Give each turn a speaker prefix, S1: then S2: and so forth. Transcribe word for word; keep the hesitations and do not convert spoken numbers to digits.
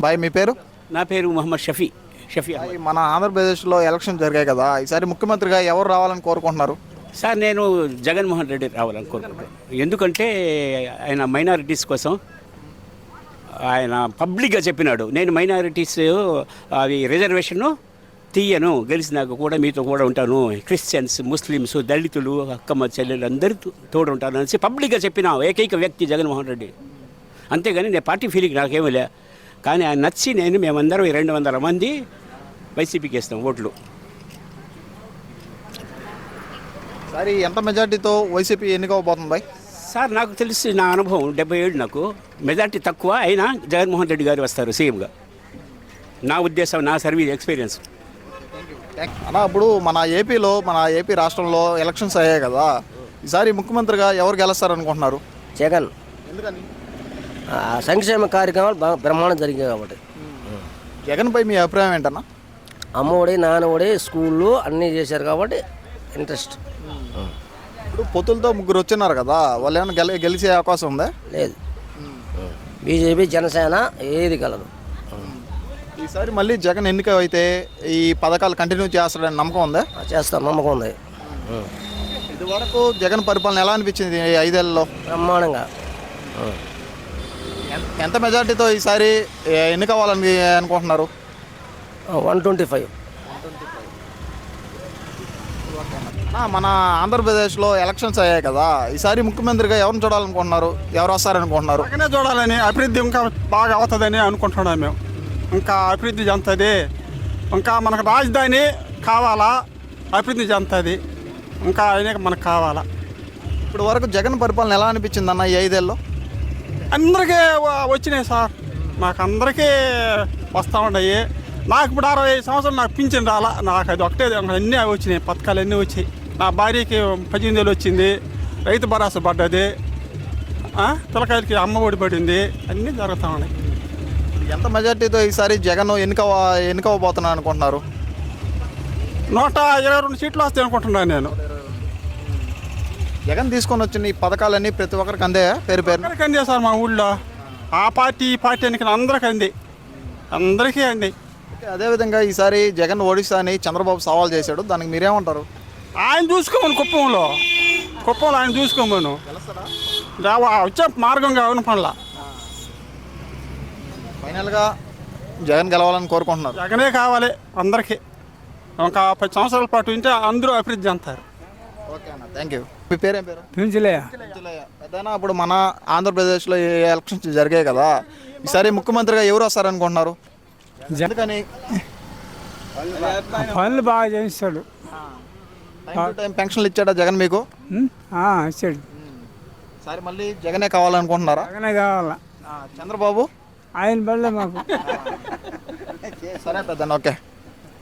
S1: Bye మీ పేరు?
S2: నా పేరు మొహమ్మద్ షఫీ షఫీ
S1: బాయ్, మన ఆంధ్రప్రదేశ్లో ఎలక్షన్ జరిగాయి కదా, ఈసారి ముఖ్యమంత్రిగా ఎవరు రావాలని కోరుకుంటున్నారు?
S2: సార్ నేను జగన్మోహన్ రెడ్డి రావాలని కోరుకుంటున్నాను. ఎందుకంటే ఆయన మైనారిటీస్ కోసం ఆయన పబ్లిక్గా చెప్పినాడు, నేను మైనారిటీస్ అవి రిజర్వేషన్ను తీయను, గెలిచినాక కూడా మీతో కూడా ఉంటాను, క్రిస్టియన్స్, ముస్లిమ్స్, దళితులు, అక్కమ్మ చెల్లెలు అందరూ తోడు ఉంటాను అనేసి పబ్లిక్గా చెప్పిన ఏకైక వ్యక్తి జగన్మోహన్ రెడ్డి. అంతేగాని నేను పార్టీ ఫీలింగ్ నాకేమీ లే, కానీ ఆయన నచ్చి నేను మేమందరం రెండు వందల మంది వైసీపీకి వేస్తాం ఓట్లు.
S1: సరే, ఎంత మెజార్టీతో వైసీపీ ఎన్నికవబోతుంది బాయ్?
S2: సార్ నాకు తెలిసి నా అనుభవం డెబ్బై ఏడు, నాకు మెజార్టీ తక్కువ అయినా జగన్మోహన్ రెడ్డి గారు వస్తారు సీఎంగా, నా ఉద్దేశం, నా సర్వీస్ ఎక్స్పీరియన్స్.
S1: అన్నా, ఇప్పుడు మన ఏపీలో మన ఏపీ రాష్ట్రంలో ఎలక్షన్స్ అయ్యాయి కదా, ఈసారి ముఖ్యమంత్రిగా ఎవరు గెలుస్తారనుకుంటున్నారు?
S3: జగన్.
S1: ఎందుకని?
S3: సంక్షేమ కార్యక్రమాలు బాగా బ్రహ్మాండం జరిగాయి కాబట్టి.
S1: జగన్పై మీ అభిప్రాయం ఏంటన్నా?
S3: అమ్మఒడి, నాన్నఒడి, స్కూళ్ళు అన్నీ చేశారు కాబట్టి ఇంట్రెస్ట్.
S1: ఇప్పుడు పొత్తులతో ముగ్గురు వచ్చినారు కదా, వాళ్ళు ఏమైనా గెలి గెలిచే అవకాశం ఉందా?
S3: లేదు. బీజేపీ, జనసేన ఏది కలదు.
S1: ఈసారి మళ్ళీ జగన్ ఎన్నిక అయితే ఈ పథకాలు కంటిన్యూ చేస్తాడని నమ్మకం ఉందా?
S3: చేస్తాం, నమ్మకం ఉంది.
S1: ఇదివరకు జగన్ పరిపాలన ఎలా అనిపించింది ఈ ఐదేళ్లలో?
S3: బ్రహ్మాండంగా.
S1: ఎంత మెజార్టీతో ఈసారి ఎన్నికవ్వాలని అనుకుంటున్నారు?
S3: One twenty five.
S1: మన ఆంధ్రప్రదేశ్లో ఎలక్షన్స్ అయ్యాయి కదా, ఈసారి ముఖ్యమంత్రిగా ఎవరిని చూడాలనుకుంటున్నారు? ఎవరు వస్తారనుకుంటున్నారు?
S4: జగనే చూడాలని, అభివృద్ధి ఇంకా బాగా అవుతుందని అనుకుంటున్నాం మేము. ఇంకా అభివృద్ధి చెందుతుంది, ఇంకా మనకు రాజధాని కావాలా, అభివృద్ధి చెందుతుంది, ఇంకా ఆయనే మనకు కావాలా.
S1: ఇప్పుడు వరకు జగన్ పరిపాలన ఎలా అనిపించింది అన్న ఈ ఐదేళ్ళలో?
S4: అందరికీ వచ్చినాయి సార్, మాకు అందరికీ వస్తూ ఉన్నాయి. నాకు ఇప్పుడు అరవై ఐదు సంవత్సరాలు నాకు పింఛన్ రాలా, నాకు అది ఒకటే అన్నీ వచ్చినాయి, పథకాలు అన్నీ వచ్చాయి. నా భార్యకి పద్దెనిమిది వేలు వచ్చింది, రైతు భరోసా పడ్డది, పిల్లకాయలకి అమ్మ ఒడి పడింది, అన్నీ జరుగుతూ ఉన్నాయి.
S1: ఎంత మెజార్టీతో ఈసారి జగన్ ఎన్నిక ఎన్నికవబోతున్నాను అనుకుంటున్నారు?
S4: నూట ఇరవై రెండు సీట్లు వస్తాయి అనుకుంటున్నాను నేను.
S1: జగన్ తీసుకొని వచ్చిన ఈ పథకాలన్నీ ప్రతి ఒక్కరికి అందే పేరు పేరు
S4: అందరికీ అందే సార్, మా ఊళ్ళో ఆ పార్టీ ఈ పార్టీ అని అందరికీ అంది, అందరికీ అంది.
S1: అదేవిధంగా ఈసారి జగన్ ఒడిశాని చంద్రబాబు సవాల్ చేశాడు, దానికి మీరేమంటారు?
S4: ఆయన చూసుకోమను, కుప్పంలో కుప్పంలో ఆయన చూసుకోమను, వచ్చే మార్గంగా అవును పనుల.
S1: ఫైనల్గా జగన్ గెలవాలని కోరుకుంటున్నారు.
S4: జగనే కావాలి అందరికీ, ఒక పది సంవత్సరాల పాటు ఉంటే అందరూ అభివృద్ధి చెందుతారు.
S1: ఓకే అన్న, థ్యాంక్ యూ. మీ పేరేం పేరు?
S5: పెంచలే.
S1: పెద్దనా, ఇప్పుడు మన ఆంధ్రప్రదేశ్లో ఎలక్షన్స్ జరిగాయి కదా, ఈసారి ముఖ్యమంత్రిగా ఎవరు వస్తారనుకుంటున్నారు? ఎందుకని?
S5: పనులు బాగా చేస్తాడు.
S1: టైం పెన్షన్లు ఇచ్చాడా జగన్ మీకు?
S5: ఇచ్చాడు.
S1: సరే, మళ్ళీ జగనే కావాలనుకుంటున్నారా?
S5: జగనే కావాలా.
S1: చంద్రబాబు
S5: ఆయన బళ్ళే మాకు.
S1: సరే పెద్దనా, ఓకే.